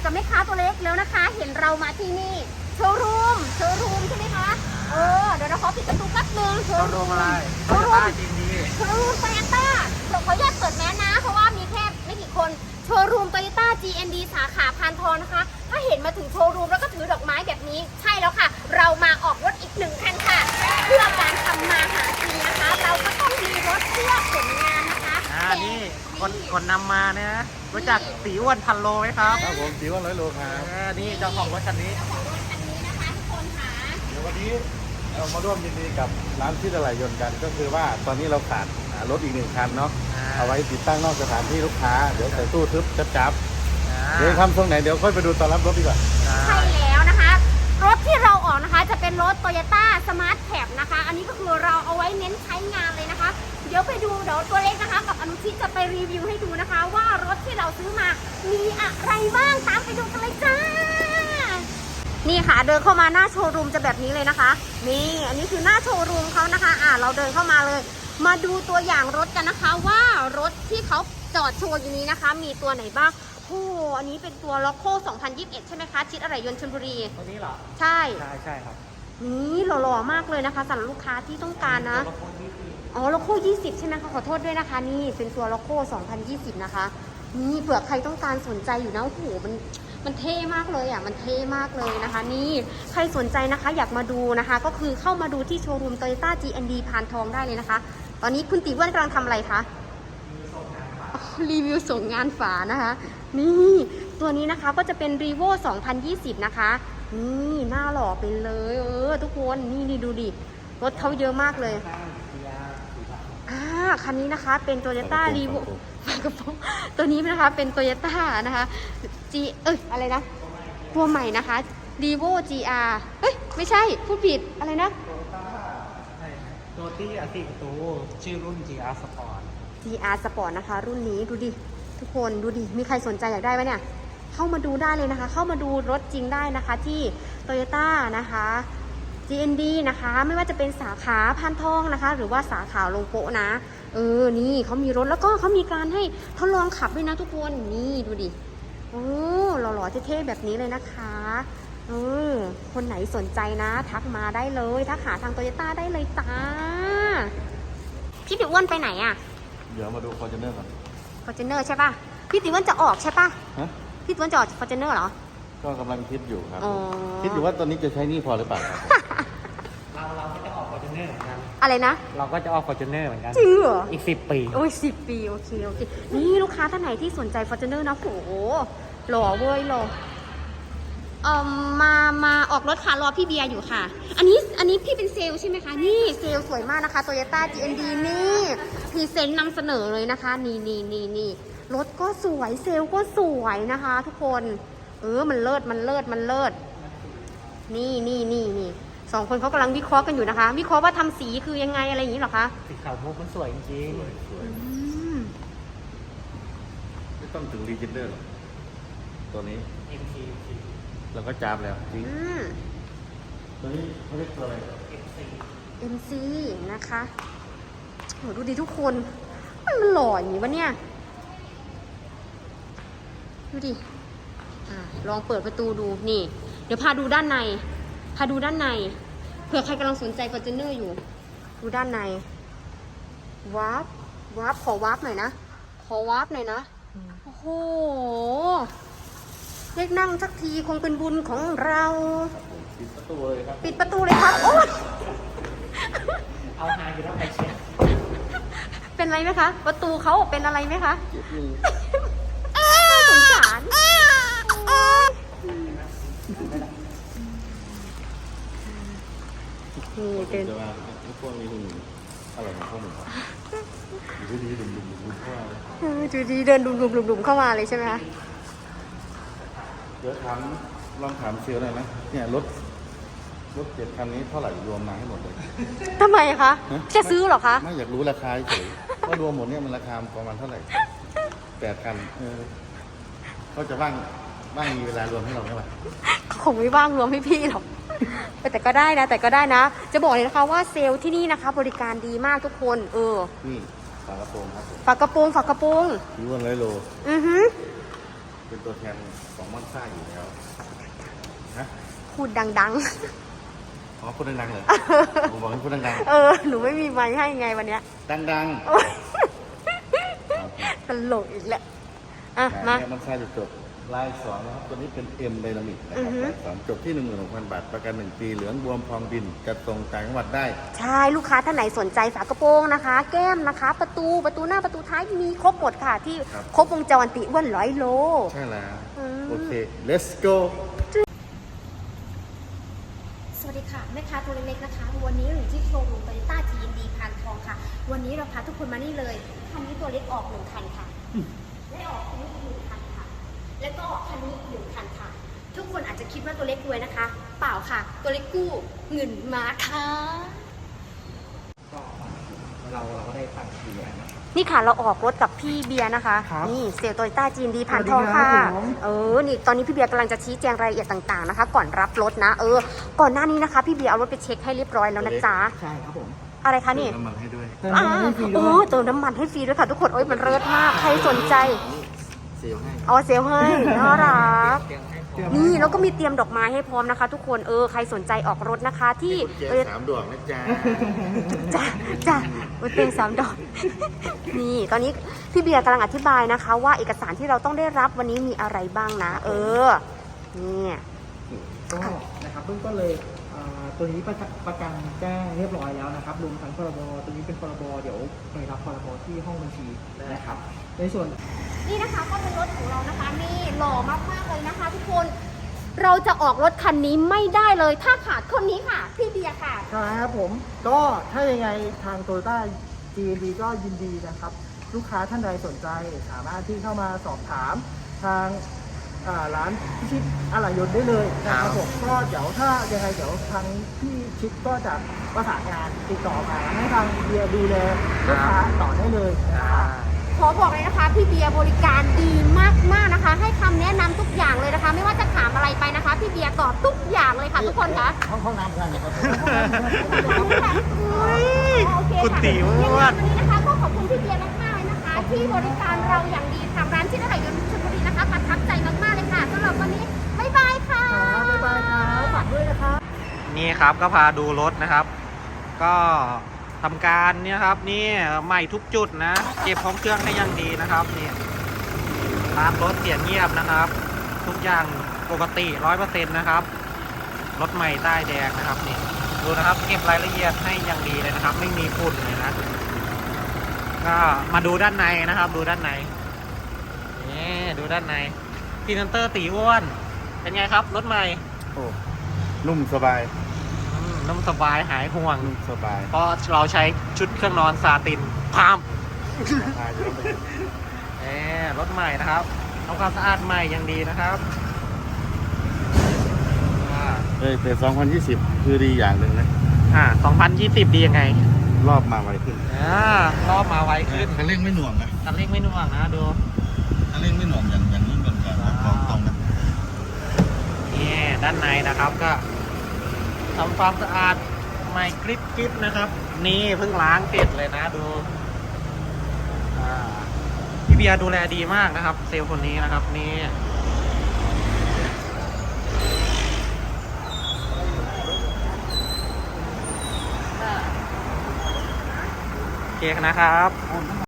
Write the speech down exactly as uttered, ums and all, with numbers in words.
กับแม่ค้าตัวเล็กแล้วนะคะ เห็นเรามาที่นี่โชว์รูมโชว์รูมใช่ไหมคะเออเดี๋ยวเราขอปิดประตูแป๊บนึงโชว์รูมอะไรโชว์รูมจริงดีโชว์รูมโตโยต้าเราขออนุญาตเปิดแมสนะเพราะว่ามีแค่ไม่กี่คนโชว์รูมโตโยต้า จี เอ็น ดี สาขาพานทองนะคะถ้าเห็นมาถึงโชว์รูมแล้วก็ถือดอกไม้แบบนี้ใช่แล้วค่ะเรามาออกรถอีกหนึ่งคันค่ะเพื่อการทำมาหากินนะคะเราก็ต้องมีรถเพื่อผลงานนะคะอ่านี่คนคนนำมาเนี่ยนะรู้จักตีอ้วนพันโลไหมครับครับผมตีอ้วนร้อยโลครับอ่านี่เจ้าของรถคันนี้เจ้าของรถคันนี้นะคะทุกคนค่ะเดี๋ยววันนี้เรามาร่วมยินดีกับร้านที่ตลาดยนต์กันก็คือว่าตอนนี้เราขาดรถอีกหนึ่งคันเนาะเอาไว้ติดตั้งนอกสถานที่ลูกค้าเดี๋ยวใส่ตู้ทึบจับจับเดี๋ยวทำตรงไหนเดี๋ยวค่อยไปดูตอนรับรถดีกว่าใช่แล้วนะคะรถที่เราออกนะคะจะเป็นรถ Toyota Smart Cab นะคะอันนี้ก็คือเราเอาไว้เน้นใช้งานเลยนะคะเดี๋ยวไปดูเดี๋ยวตัวเล็กนะคะกับอนุชิตจะไปรีวิวให้ดูนะคะว่ารถที่เราซื้อมามีอะไรบ้างตามไปดูกันเลยจ้านี่ค่ะเดินเข้ามาหน้าโชว์รูมจะแบบนี้เลยนะคะนี่อันนี้คือหน้าโชว์รูมเขานะคะอ่าเราเดินเข้ามาเลยมาดูตัวอย่างรถกันนะคะว่ารถที่เขาจอดโชว์อยู่นี้นะคะมีตัวไหนบ้างโอ้อันนี้เป็นตัวล็อกโก้สองพันยี่สิบเอ็ดใช่ไหมคะชิดอะไรยนต์ชลบุรีตัวนี้เหรอใช่ใช่ใช่ครับนี่หล่อๆมากเลยนะคะสำหรับลูกค้าที่ต้องการนะอ๋อล็อกโก้ยี่สิบใช่ไหมคะขอโทษด้วยนะคะนี่เป็นตัวล็อกโก้สองพันยี่สิบนะคะนี่เผื่อใครต้องการสนใจอยู่นะโอ้โหมันมันเท่มากเลยอ่ะมันเท่มากเลยนะคะนี่ใครสนใจนะคะอยากมาดูนะคะก็คือเข้ามาดูที่โชว์รูม Toyota จี เอ็น ดี พานทองได้เลยนะคะตอนนี้คุณตีอ้วนกำลังทำอะไรคะรีวิวส่งงานฝานะคะนี่ตัวนี้นะคะก็จะเป็น Revo สองพันยี่สิบนะคะนี่หน้าหล่อไปเลยเออทุกคนนี่นี่ดูดิรถเขาเยอะมากเลยอ่าคันนี้นะคะเป็น Toyota Revo ตัวนี้นะคะเป็น Toyota นะคะ G เอ้ยอะไรนะตัวใหม่นะคะ Revo จี อาร์ เอ้ยไม่ใช่พูดผิดอะไรนะตัวที่อติประตูชื่อรุ่น จี อาร์ Sport จี อาร์ Sport นะคะรุ่นนี้ดูดิทุกคนดูดิมีใครสนใจอยากได้ไหมเนี่ยเข้ามาดูได้เลยนะคะเข้ามาดูรถจริงได้นะคะที่ Toyota นะคะ จี เอ็น ดี นะคะไม่ว่าจะเป็นสาขาพานทองนะคะหรือว่าสาขาโลโก้นะเออนี่เขามีรถแล้วก็เขามีการให้ทดลองขับด้วยนะทุกคนนี่ดูดิโอ้หล่อๆเท่ๆแบบนี้เลยนะคะเออคนไหนสนใจนะทักมาได้เลยทักหาทาง Toyota ได้เลยจ้าพี่ติ๋วอ้วนไปไหนอ่ะเดี๋ยวมาดู Fortuner ก่อน Fortuner ใช่ป่ะพี่ติ๋วอ้วนจะออกใช่ป่ะพี่ติ๋วอ้วนจะออก Fortuner เหรอก็กำลังคิดอยู่ครับคิดอยู่ว่าตอนนี้จะใช้นี่พอหรือเปล่าครับเราเราก็จะออก Fortuner เหมือนกันอะไรนะเราก็จะออก Fortuner เหมือนกันจริงเหรออีกสิบปีโอ้ยสิบปีโอเคโอเคนี่ลูกค้าท่านไหนที่สนใจ Fortuner นะโหหล่อเว้ยหล่อเอ่อมามาออกรถค่ะรอพี่เบียร์อยู่ค่ะอันนี้อันนี้พี่เป็นเซลล์ใช่ไหมคะนี่เซลล์สวยมากนะคะ Toyota จี เอ็น ดี นี่พรีเซนต์นำเสนอเลยนะคะนี่นี่นี่นี่รถก็สวยเซลล์ก็สวยนะคะทุกคนเออมันเลิศมันเลิศมันเลิศนี่นี่นี่นี่สองคนเขากำลังวิเคราะห์กันอยู่นะคะวิเคราะห์ว่าทำสีคือยังไงอะไรอย่างนี้หรอคะสีขาวมุกมันสวยจริงๆไม่ต้องถึงรีเจนเดอร์หรอกตัวนี้เอ็ม ซีเราก็จับแล้วจริงตัวนี้เขาเรียกตัวอะไรเอ็ม ซีเอ็ม ซี นะคะโหดูดิทุกคนมันมันหล่ออย่างนี้วะเนี่ยดูดิอ่ะลองเปิดประตูดูนี่เดี๋ยวพาดูด้านในพาดูด้านในเผื่อใครกำลังสนใจ Fortuner อยู่ดูด้านในวาร์ปวาร์ปขอวาร์ปหน่อยนะขอวาร์ปหน่อยนะโอ้โหเรียกนั่งสักทีคงเป็นบุญของเราปิดประตูเลยครับปิดประตูเลยครับโอ้ยเอาหาอยู่แล้วใครเชียร์เป็นไรไหมคะประตูเขาเป็นอะไรไหมคะสงสารนี่เดินพวกนี้ดูอะไรของพวกมึงดูดีดุมดุมดุมเข้ามาดูดีเดินดุมดุมดุมดุมเข้ามาเลยใช่ไหมคะเดี๋ยวถามลองถามเซลล์หน่อยไหมเนี่ยรถรถเจ็ดคันนี้เท่าไหร่รวมมาให้หมดเลยทำไมคะจะซื้อหรอคะไม่อยากรู้ราคาเฉยว่ารวมหมดเนี่ยมันราคาประมาณเท่าไหร่แปดคันเออเขาจะว่างว่างมีเวลารวมให้เราไหมวะคงไม่ว่างรวมให้พี่หรอกแต่ก็ได้นะแต่ก็ได้นะจะบอกเลยนะคะว่าเซลล์ที่นี่นะคะบริการดีมากทุกคนเออนี่ฝากระโปรงครับฝากระโปรงฝากระโปรงยี่ห้อร้อยโลอือฮึเป็นตัวแทนของมอนซ่าอยู่แล้วนะพูดดังอ๋อพูดดังๆเลยผมบอกให้พูดดังๆ เออ หนูไม่มีไม้ให้ไงวันเนี้ยๆดังตลกอีกแหละ อ่ะๆมาเนี่ยมอนซ่าจะจบลายสองนะครับตัวนี้เป็น M Dynamic นะอืคอรับฮึลายสองจบที่ หนึ่งหมื่นหกพัน บาท ประกันหนึ่งปีเหลืองบวมพองบินจัดส่งต่างจังหวัดได้ใช่ลูกค้าท่านไหนสนใจฝากระโปรงนะคะ แก้มนะคะ ประตูประตูหน้าประตูท้ายมีครบหมดค่ะ ที่ครับครบวงจรติอ้วนร้อยโลใช่แล้วอืมโอเค let's go สวัสดีค่ะแม่ค้าตัวเล็กๆนะคะ วันนี้เราอยู่ที่โชว์รูมโตโยต้าจีนดีพานทองค่ะ วันนี้เราพาทุกคนมานี่เลยคันนี้ตัวเล็กออกหนึ่งคันค่ะได้ออกคันนี้อีกหนึ่งคันค่ะ แล้วก็ออกคันนี้อีกหนึ่งคันค่ะ ทุกคนอาจจะคิดว่าตัวเล็กรวยนะคะ เปล่าค่ะ ตัวเล็กกู้เงินมาค่ะก็เราเราก็ได้ตังค์ทีนะนี่ค่ะเราออกรถกับพี่เบียร์นะคะครับนี่เซลล์โตโยต้าจีนดีผ่านทองสวัสดีครัค่ะบผมเออนี่ตอนนี้พี่เบียร์กำลังจะชี้แจงรายละเอียดต่างๆนะคะ ก่อนรับรถนะ เออ ก่อนหน้านี้นะคะ พี่เบียร์เอารถไปเช็คให้เรียบร้อยแล้วนะจ๊ะใช่ครับผมอะไรคะนี่เติมน้ำมันให้ด้วยเติมอ่าน้ำมันให้ฟรีโอ้ด้วยเติมน้ำมันให้ฟรีด้วยค่ะทุกคนโอ้ยมันเลิศมากใครสนใจเซลล์ให้อ๋อเซลลให้น่ารักเตรียมให้พร้อมเตรียมนี่แล้วก็มีเตรียมดอกไม้ให้พร้อมนะคะ ทุกคนเออใครสนใจออกรถนะคะ ที่กุญแจสามดอกนะจ๊ะจ้าจ้าอุเตงสามดอก นี่ตอนนี้พี่เบียร์กำลังอธิบายนะคะ ว่าเอกสารที่เราต้องได้รับวันนี้มีอะไรบ้างนะ เออนี่ก็นะครับเบื้องต้นเลยอ่าตัวนี้ประกันประกันแจ้งเรียบร้อยแล้วนะครับรวมทั้งพรบตัวนี้เป็นพรบเดี๋ยวไปรับพรบที่ห้องบัญชีนะครับในส่วนนี่นะคะก็เป็นรถของเรานะคะนี่หล่อมากๆเลยนะคะ ทุกคนเราจะออกรถคันนี้ไม่ได้เลย ถ้าขาดคนนี้ค่ะ พี่เบียร์ค่ะครับผมก็ถ้ายังไงทางโตโยต้า จี เอ็น ดี ก็ยินดีนะครับ ลูกค้าท่านใดสนใจสามารถที่เข้ามาสอบถามทางอ่าร้านพิชิตอะไหล่ยนต์ได้เลยนะครับผมก็เดี๋ยวถ้ายังไงเดี๋ยวทางพี่ชิดก็จะประสานงานติดต่อมาให้ทางเบียร์ดูแลลูกค้าต่อได้เลยนะครับขอบอกเลยนะคะพี่เบียร์บริการดีมากๆนะคะ ให้คำแนะนำทุกอย่างเลยนะคะ ไม่ว่าจะถามอะไรไปนะคะ พี่เบียร์ตอบทุกอย่างเลยค่ะทุกคนคะห้องห้องน้ำได้ไหมครับอุ๊ยโอเคคุณค่ะติ๋วยังไงวันนี้นะคะก็ขอบคุณพี่เบียร์มากๆเลยนะคะ ที่บริการเราอย่างดีทางร้านที่ไหนยนต์ชลบุรีนะคะประทับใจมากๆเลยค่ะสำหรับวันนี้บ๊ายบายค่ะบ๊ายบายครับฝากด้วยนะครับนี่ครับก็พาดูรถนะครับ ก็ทำการเนี่ยครับนี่ใหม่ทุกจุดนะเก็บของเครื่องได้อยังดีนะครับนี่ร้านรถเสียงเงียบนะครับ ทุกอย่างปกติร้อยเปอร์เซ็นต์นะครับรถใหม่ใต้แดงนะครับนี่ดูนะครับเก็บรายละเอียดให้อย่างดีเลยนะครับ ไม่มีฝุ่นเลยนะก็มาดูด้านในนะครับ ดูด้านในนี่ดูด้านในพีนันเตอร์ตีอ้วนเป็นไงครับรถใหม่โอ้นุ่มสบายอืมน้ำสบายหายห่วงนุ่มสบายเพราะเราใช้ชุดเครื่องนอนซาตินพามราคาอยู่แล้วแหมรถใหม่นะครับทำความสะอาดใหม่อย่างดีนะครับอ่าเฮ้ยแต่สองพันยี่สิบคือดีอย่างหนึ่งนะอ่าสองพันยี่สิบดียังไงรอบมาไวขึ้นอ่ารอบมาไวขึ้นคันเร่งไม่หน่วงนะคันเร่งไม่น่วงนะดูคันเร่งไม่หน่วงอย่างอย่างนี้เหมือนกันนะบอกตรงนะนี่ด้านในนะครับก็ทำความสะอาดใหม่กริบกริบนะครับ นี่เพิ่งล้างเสร็จเลยนะดูอ่าพี่เบียร์ดูแลดีมากนะครับ เซลล์คนนี้นะครับนี่โอเคนะครับ